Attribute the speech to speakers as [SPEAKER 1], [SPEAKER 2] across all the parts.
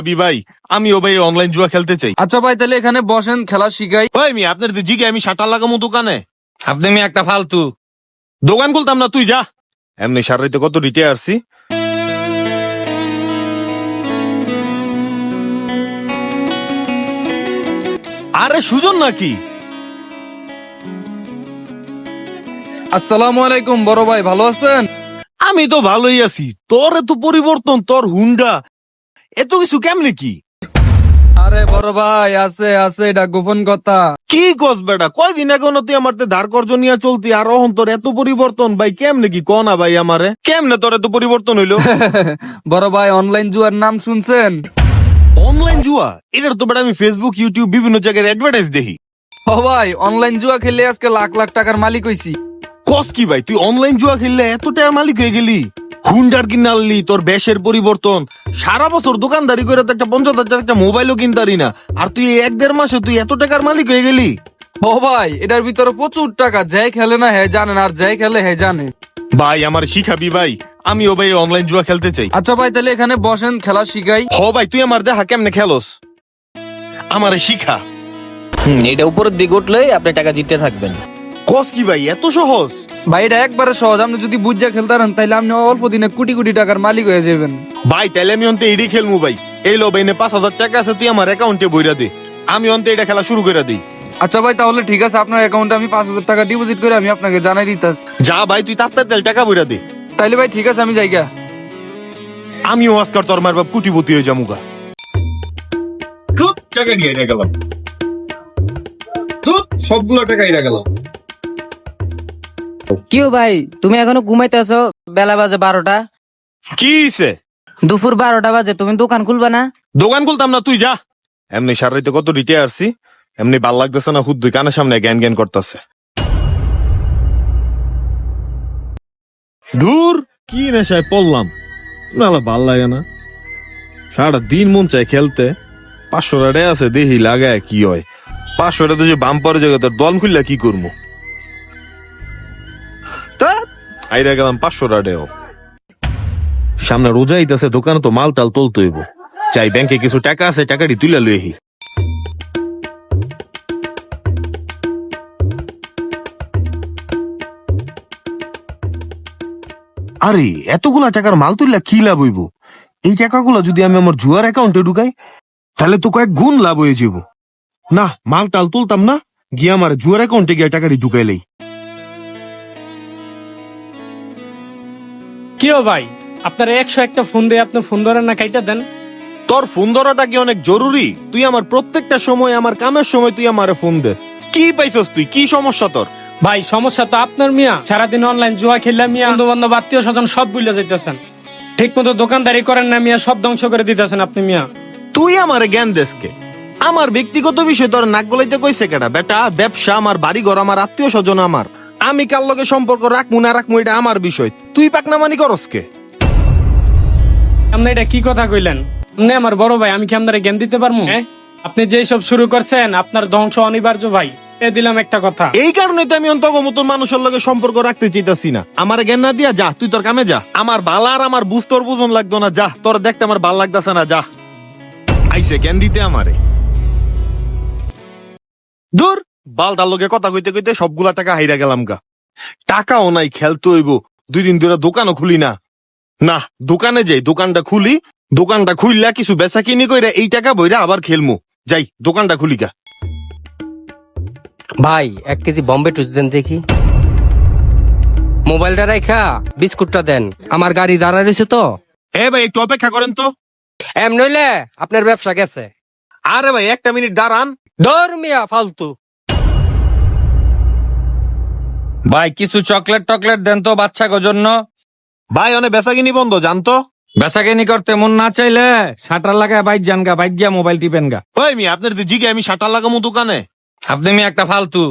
[SPEAKER 1] ভাই আমিও ভাই অনলাইন জুয়া খেলতে চাই।
[SPEAKER 2] আচ্ছা ভাই, তাহলে এখানে বসেন, খেলা শিখাই।
[SPEAKER 1] ওই মি আপনার জিগে আমি শাটার লাগামো দোকানে।
[SPEAKER 3] আপনি মি একটা ফালতু
[SPEAKER 1] দোকান খুলতাম না, তুই যা। এমনি সারাইতে কত রিটে আসছি। আরে সুজন নাকি?
[SPEAKER 2] আসসালামু আলাইকুম বড় ভাই, ভালো আছেন?
[SPEAKER 1] আমি তো ভালোই আছি। তোর এত পরিবর্তন, তোর হুন্ডা এত কিছু কেমনে কি?
[SPEAKER 2] আরে বড় ভাই, আছে আছে, এটা গোপন কথা।
[SPEAKER 1] কি কস বেটা, কয়দিন আগে না তুই আমার ধার কর্জ নিয়ে চলতি, আর অহন তোর এত পরিবর্তন ভাই কেমনে কি ক না ভাই আমারে, কেমনে তোর এত পরিবর্তন হইলো?
[SPEAKER 2] বড় ভাই, অনলাইন জুয়ার নাম শুনছেন?
[SPEAKER 1] অনলাইন জুয়া? এটার তো বেটা আমি ফেসবুক ইউটিউব বিভিন্ন জায়গায় অ্যাডভার্টাইজ দেখি।
[SPEAKER 2] ও ভাই, অনলাইন জুয়া খেলে আজকে লাখ লাখ টাকার মালিক হইছি।
[SPEAKER 1] কস কি ভাই, তুই অনলাইন জুয়া খেললে এত টাকার মালিক হয়ে গেলি? হুন্ডার কিনালি, তোর বেশের পরিবর্তন, সারা বছর দোকানদারি করে তো একটা 50,000 একটা মোবাইলও কিনতারি না, আর তুই 1-1.5 মাসে তুই এত টাকার মালিক হয়ে গেলি?
[SPEAKER 2] ও ভাই, এটার ভিতরে প্রচুর টাকা, যাই খেলে না হ্যাঁ জানেন, আর যাই খেলে হ্যাঁ জানে।
[SPEAKER 1] ভাই আমার শিখাবি ভাই, আমিও ভাই অনলাইন জুয়া খেলতে চাই।
[SPEAKER 2] আচ্ছা ভাই, তাহলে এখানে বসেন, খেলা শিখাই।
[SPEAKER 1] হ ভাই, তুই আমার দেখা কেমনে খেলোস, আমারে শিখা।
[SPEAKER 3] এটা উপরের দিকে উঠলেই আপনি টাকা জিততে থাকবেন।
[SPEAKER 1] কস কি ভাই, এত সহজ?
[SPEAKER 2] ভাই এটা একবারে সহজ, আপনি যদি বুঝা খেলতে পারেন তাইলে আপনি অল্প দিনে কোটি কোটি টাকার মালিক হয়ে যাবেন।
[SPEAKER 1] ভাই তাইলে আমি অন্তে এডি খেলমু ভাই। এই লো ভাই, 5,000 টাকা আছে, তুই আমার অ্যাকাউন্টে বইরা দে, আমি অন্তে এটা খেলা শুরু করে দিই।
[SPEAKER 2] আচ্ছা ভাই, তাহলে ঠিক আছে, আপনার অ্যাকাউন্টে আমি 5,000 টাকা ডিপোজিট করে আমি আপনাকে জানাই দিতাছি।
[SPEAKER 1] যা ভাই, তুই তাড়াতাড়ি টাকা বইরা দে।
[SPEAKER 2] তাইলে ভাই ঠিক আছে, আমি যাইগা।
[SPEAKER 1] আমিও আজকাল তোর মার বাপ কুটিপতি হয়ে যামুগা।
[SPEAKER 4] টাকা নিয়ে এটা গেলাম, সবগুলো টাকা এটা গেলাম।
[SPEAKER 5] কিও ভাই, তুমি এখনো ঘুমাইতেছো? বেলা বাজে 12টা,
[SPEAKER 1] কি হইছে?
[SPEAKER 5] দুপুর 12টা বাজে, তুমি দোকান খুলবা না?
[SPEAKER 1] দোকান খুলতাম না, তুই যা। এমনি সারাইতে কত রিটে আসছি, এমনি ভাল লাগতেছে না, হুদ দুই কানের সামনে জ্ঞান জ্ঞান করতেছে। দূর, কি নেশায় পড়লাম, নালা ভাল লাগে না। সারা দিন মন চায় খেলতে, 500 টাকা আছে, দেখি লাগায় কি হয়। 500 টাকা যে বাম্পার জায়গা, তোর দল খুললে কি করবো? তা আইরা গেলাম 500 টাকা। সামনে রোজা আইতাছে, দোকানে তো মাল টাল তুলতে হইব। চাই ব্যাংকে কিছু টাকা আছে, টাকাটি তুলে লইহি। আরে এতগুলা টাকার মাল তুললে কি লাভ হইব? এই টাকাগুলো যদি আমি আমার জুয়ার অ্যাকাউন্টে ঢুকাই, তাহলে তো কয়েক গুণ লাভ হয়ে যাব। না, মাল টাল তুলতাম না, গিয়ে আমার জুয়ার অ্যাকাউন্টে গিয়ে টাকাটি ঢুকাইলেই।
[SPEAKER 6] কিও ভাই, আপনার 101টা ফোন দিয়ে আপনি ফোন ধরেন না, কাইটা দেন।
[SPEAKER 1] তোর ফোন ধরাটা কি অনেক জরুরি? তুই আমার প্রত্যেকটা সময়, আমার কামের সময় তুই আমারে ফোন দেস। কি পাইছস তুই? কি সমস্যা তোর?
[SPEAKER 6] ভাই সমস্যা তো আপনার মিয়া, সারাদিন অনলাইন জুয়া খেললে মিয়া, বন্ধু বান্ধব আত্মীয় স্বজন সব ভুলে যাইতেছেন। ঠিক মতো দোকানদারি করেন না মিয়া, সব ধ্বংস করে দিতেছেন আপনি মিয়া।
[SPEAKER 1] তুই আমারে জ্ঞান দেশকে? আমার ব্যক্তিগত বিষয় তোর নাক গলাইতে কইছে কেডা? বেটা, ব্যবসা আমার, বাড়ি ঘর আমার, আত্মীয় স্বজন আমার, আমি কার লগে সম্পর্ক রাখমু না রাখমু এটা আমার বিষয়। তুই পাকনামানি করস কে?
[SPEAKER 6] আপনি এটা কি কথা কইলেন? আপনি আমার বড় ভাই, আমি কি আপনারে জ্ঞান দিতে পারবো? আপনি যে সব শুরু করছেন, আপনার ধ্বংস অনিবার্য ভাই, এ দিলাম একটা কথা।
[SPEAKER 1] এই কারণে তো আমি অন্তত মতন মানুষের লগে সম্পর্ক রাখতে চাইতাছি না। আমার জ্ঞান না দিয়া যা, তুই তোর কামে যা। আমার বালা আর আমার বুঝ তোর বুঝন লাগতো না, যা। তোর দেখতে আমার ভাল লাগতেছে না, যা। আইসে জ্ঞান দিতে আমারে। দূর, বালটার লগে কথা কইতে কইতে সবগুলা টাকা হাইরা গেলাম গা। টাকাও নাই, খেলতে হইব। 2 দিন ধরে দোকানও খুলি না। না, দোকানে যাই, দোকানটা খুলি, দোকানটা খুললা কিছু বেচা কিনি কইরা এই টাকা বইরা আবার খেলমু। যাই, দোকানটা খুলি গা।
[SPEAKER 3] ভাই 1 কেজি বম্বে টুস দেন দেখি। মোবাইলটা রাখা বিস্কুটটা দেন, আমার গাড়ি দাঁড়া রয়েছে তো।
[SPEAKER 1] এ ভাই একটু অপেক্ষা করেন তো।
[SPEAKER 3] এম নইলে আপনার ব্যবসা গেছে।
[SPEAKER 1] আরে ভাই 1টা মিনিট দাঁড়ান।
[SPEAKER 3] ধর মিয়া ফালতু। ভাই কিছু চকলেট টকলেট দেন তো বাচ্চাকে জন্য।
[SPEAKER 1] ভাই অনেক বেচা কিনি বন্ধ, জানতো।
[SPEAKER 3] বেচাকেনি করতে মন না চাইলে শাটার লাগায় বাইক যান গা, বাইক গিয়া মোবাইল টিপেন গা।
[SPEAKER 1] ওই মি আপনার জিগে আমি শাটার লাগামু দোকানে?
[SPEAKER 3] আপনি মি একটা ফালতু।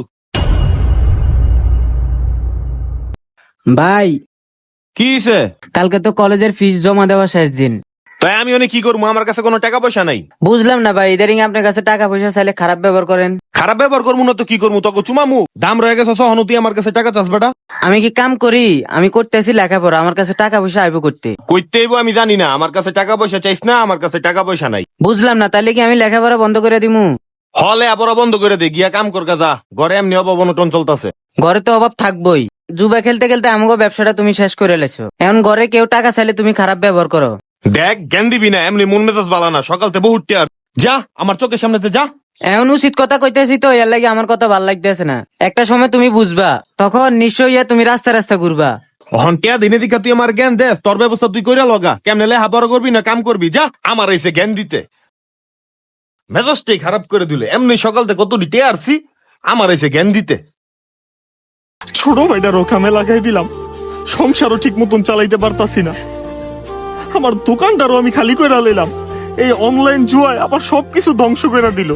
[SPEAKER 5] ভাই
[SPEAKER 1] কি হইছে?
[SPEAKER 5] কালকে তো কলেজের ফিস জমা দেওয়া শেষ দিন,
[SPEAKER 1] তাই আমি অনেক কি করবো, আমার কাছে কোনো টাকা পয়সা নাই।
[SPEAKER 5] বুঝলাম না ভাই, ইদারিং আপনার কাছে টাকা পয়সা চাইলে খারাপ ব্যবহার করেন।
[SPEAKER 1] খারাপ ব্যবহার করবো না তো কি করবো, তোকে চুমামু দাম রয়ে গেছে সহন, তুই আমার কাছে টাকা চাস বেটা?
[SPEAKER 5] আমি কি কাম করি? আমি করতেছি লেখাপড়া, আমার কাছে টাকা পয়সা আইব করতে।
[SPEAKER 1] কইতে হইবো আমি জানি না, আমার কাছে টাকা পয়সা চাইস না, আমার কাছে টাকা পয়সা নাই।
[SPEAKER 5] বুঝলাম না, তাহলে কি আমি লেখাপড়া বন্ধ করে দিমু?
[SPEAKER 1] হলে আবার বন্ধ করে দে, গিয়া কাম কর যা, ঘরে এমনি অবনটন চলতেছে।
[SPEAKER 5] ঘরে তো অভাব থাকবোই, জুবা খেলতে খেলতে আমাকে ব্যবসাটা তুমি শেষ করে লেছো। এখন ঘরে কেউ টাকা চাইলে তুমি খারাপ ব্যবহার করো।
[SPEAKER 1] দেখ জ্ঞান দিবি না, এমনি মন মেজাজ বালা না, সকালতে বহুত টিয়ার। যা আমার চোখের সামনেতে যা।
[SPEAKER 5] এখন উচিত কথা কইতেছি তো, এর লাগে আমার কথা ভাল লাগতেছে না। একটা সময় তুমি বুঝবা, তখন নিশ্চয়ই তুমি রাস্তা রাস্তা ঘুরবা।
[SPEAKER 1] অহন টিয়া দিনে দিকা তুই আমার জ্ঞান দেস, তোর ব্যবস্থা তুই কইরা লগা। কেমনে লেহা বড় করবি না কাম করবি, যা। আমার এসে জ্ঞান দিতে মেজাজটাই খারাপ করে দিলে। এমনি সকালতে কত টিয়া আসছি, আমার এসে জ্ঞান দিতে।
[SPEAKER 7] ছোট ভাইটারও কামে লাগাই দিলাম, সংসারও ঠিক মতন চালাইতে পারতাছি না, আমার দোকানটারও আমি খালি করে লইলাম। এই অনলাইন জুয়ায় আবার সবকিছু ধ্বংস করে দিল।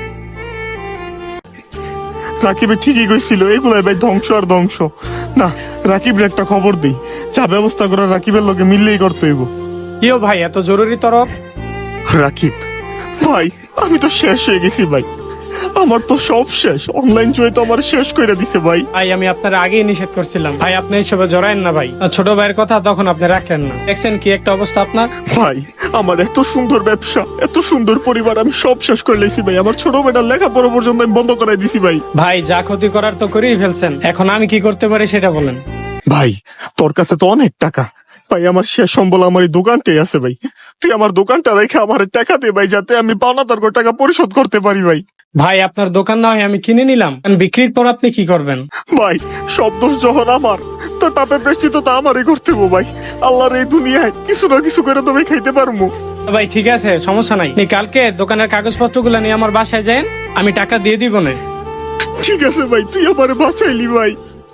[SPEAKER 7] রাকিবে ঠিকই কইছিল, এগুলাই ভাই ধ্বংস আর ধ্বংস। না, রাকিবের একটা খবর দেই, যা ব্যবস্থা করা রাকিবের লগে মিললেই করতে হইব।
[SPEAKER 6] কিও ভাই, এত জরুরি তরফ?
[SPEAKER 7] রাকিব ভাই, আমি তো শেষ হয়ে গেছি ভাই, আমার তো সব শেষ। অনলাইন জুয়ে তো আমার শেষ করে দিছে ভাই।
[SPEAKER 6] ভাই আমি আপনার আগেই নিষেধ করছিলাম ভাই, আপনি এইসবে জড়ায়েন না ভাই। ছোট ভাইয়ের কথা তখন আপনি রাখলেন না, দেখছেন কি একটা অবস্থা আপনার।
[SPEAKER 7] ভাই আমার এত সুন্দর ব্যবসা, এত সুন্দর পরিবার, আমি সব শেষ করে লেছি ভাই। আমার ছোট বেটার লেখাপড়া পর্যন্ত আমি বন্ধ করাই দিছি ভাই।
[SPEAKER 6] ভাই যা ক্ষতি করার তো করেই ফেলছেন, এখন আমি কি করতে পারি সেটা বলেন।
[SPEAKER 7] ভাই তোর কাছে তো অনেক টাকা ভাই, আমার শেষ সম্বল আমার এই দোকানটাই আছে ভাই। তুই আমার দোকানটা রেখে আমার টাকা দে ভাই, যাতে আমি পাওনা তার টাকা পরিশোধ করতে পারি ভাই।
[SPEAKER 6] ভাই আপনার দোকান না হয় আমি কিনে নিলাম, বিক্রির পর আপনি কি করবেন?
[SPEAKER 7] ভাই সব দোষ যখন আমার, তো পাপে প্রেষ্টিত তো আমারই করতে হবো ভাই। আল্লাহর এই দুনিয়ায় কিছু না কিছু করে তবে খাইতে পারবো।
[SPEAKER 6] ভাই ঠিক আছে, সমস্যা নাই, আপনি কালকে দোকানের কাগজপত্রগুলো নিয়ে আমার বাসায় যান, আমি টাকা দিয়ে দিব না।
[SPEAKER 7] ঠিক আছে ভাই, তুই আমারে বাঁচাইলি ভাই।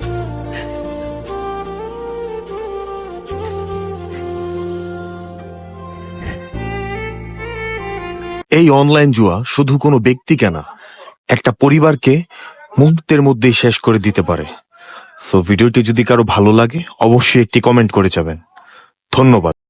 [SPEAKER 1] এই অনলাইন জুয়া শুধু কোনো ব্যক্তিকে না, একটা পরিবারকে মুহূর্তের মধ্যেই শেষ করে দিতে পারে। সো ভিডিওটি যদি কারো ভালো লাগে অবশ্যই একটি কমেন্ট করে যাবেন। ধন্যবাদ।